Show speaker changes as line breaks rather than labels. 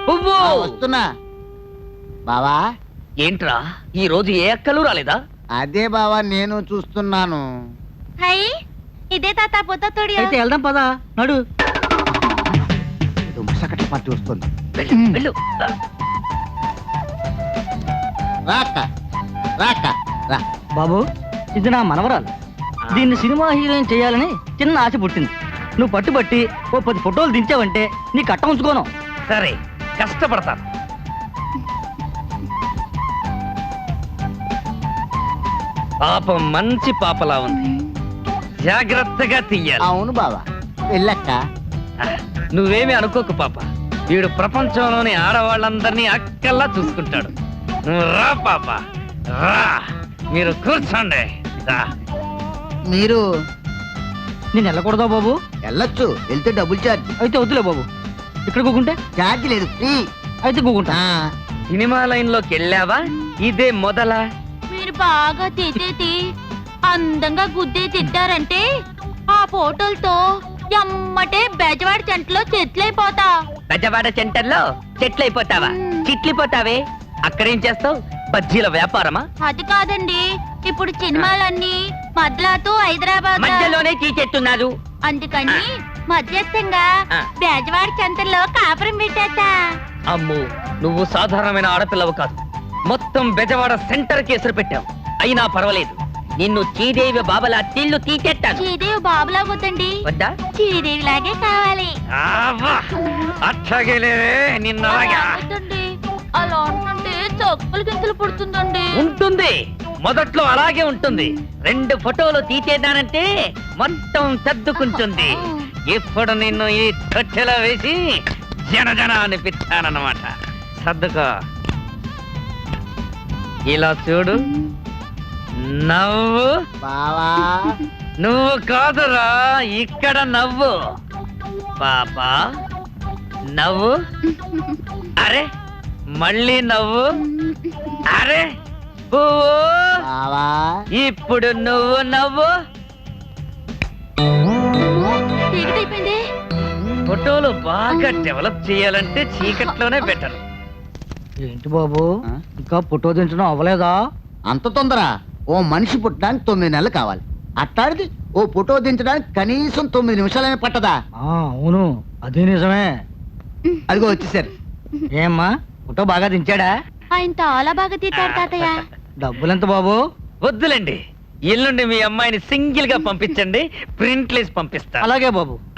పువ్వు
వస్తున్నా బావా.
ఏంట్రా ఈ రోజు ఏ అక్కలు రాలేదా?
అదే బావా నేను చూస్తున్నాను.
హై ఇదే తాత పొద్దుతోడి
అయితే వెళ్దాం పదా నడు.
ఏదో ముసకట పార్టీ వస్తుంది.
వెళ్ళు.
రాక రాక రా.
బాబు ఇది నా మనవరాలు. దీన్ని సినిమా హీరోయిన్ చేయాలని చిన్న ఆశ పుట్టింది. నువ్వు పట్టుబట్టి ఓ 10 ఫోటోలు దించావంటే నీ కట్ట ఉంచుకోను.
సరే కష్టపడతాను. పాపం మంచి పాపలా ఉంది, జాగ్రత్తగా తీయాలి.
అవును బావా వెళ్ళక్క.
నువ్వేమి అనుకోకు పాప, వీడు ప్రపంచంలోని ఆడవాళ్ళందరినీ అక్కల్లా చూసుకుంటాడు. నువ్వు రా పాప రా, మీరు కూర్చోండి. రా.
మీరు
నేను వెళ్ళకూడదా బాబు?
వెళ్ళొచ్చు, వెళ్తే డబుల్ ఛార్జ్.
అయితే వద్దులే బాబు. ఇక్కడ కూకుంటే
ఛార్జ్ లేదు, ఫ్రీ.
అయితే కూకుంటా.
సినిమా లైన్ లోకి వెళ్ళావా? ఇదే మొదలా?
మీరు బాగా తిట్టేది అందంగా గుద్దే తిట్టారంటే ఆ ఫోటోలతో ఎమ్మటే బెజవాడి చెంటలో చెట్లయిపోతా.
బెజవాడ సెంటర్లో చెట్లయిపోతావా? చిట్లిపోతావే. అక్కడేం చేస్తావు? బజ్జీల వ్యాపారమా?
అది కాదండి, ఇప్పుడు సినిమాలన్నీ మద్లాతో హైదరాబాద్
మధ్యలోనే తీసేస్తున్నారు.
అందుకని మధ్యస్థంగా
ఆ.
బెజవాడి చెంతలో కాపురం పెట్టేస్తా.
అమ్ము, నువ్వు సాధారణమైన ఆడపిల్లవు కాదు. మొత్తం బెజవాడ సెంటర్ కేసులు పెట్టావు. అయినా పర్వాలేదు, నిన్ను శ్రీదేవి బాబలా తిల్లు తీసేస్తాను.
శ్రీదేవి బాబులా వద్దండి,
వద్దా?
శ్రీదేవి లాగే కావాలి.
అట్లాగే
అలా వద్దండి, అలా ఉంటుంటే చొప్పులు గింతలు పుడుతుందండి.
ఉంటుంది, మొదట్లో అలాగే ఉంటుంది. 2 ఫోటోలు తీసేదానంటే మొత్తం సర్దుకుంటుంది. ఇప్పుడు నిన్ను ఈ తొట్టెలో వేసి జన అనిపిస్తానన్నమాట. సర్దుకో. ఇలా చూడు, నవ్వు.
బావా
నువ్వు కాదురా, ఇక్కడ నవ్వు. పాపా నవ్వు. అరే మళ్ళీ నవ్వు. అరే పువ్వు.
బావా
ఇప్పుడు నువ్వు నవ్వు.
చీకటైపోయింది.
ఫోటోలు బాగా డెవలప్ చేయాలంటే చీకట్లోనే బెటర్.
ఏంటి బాబు
ఆ?
ఇంకా ఫోటో దించడం అవ్వలేదా?
అంత తొందర? ఓ మనిషి పుట్టడానికి 9 నెలలు కావాలి. అట్టాడిది ఓ ఫోటో దించడానికి కనీసం 9 నిమిషాలనే పట్టదా?
అవును అదే నిజమే.
అదిగో వచ్చేసారు.
ఏమ్మా ఫోటో బాగా దించాడా?
ఆయన చాలా బాగా తీతాడు తాతయ్య.
డబ్బులెంత బాబు?
వద్దులేండి, ఎల్లుండి మీ అమ్మాయిని సింగిల్ గా పంపించండి, ప్రింట్లేసి పంపిస్తా.
అలాగే బాబు.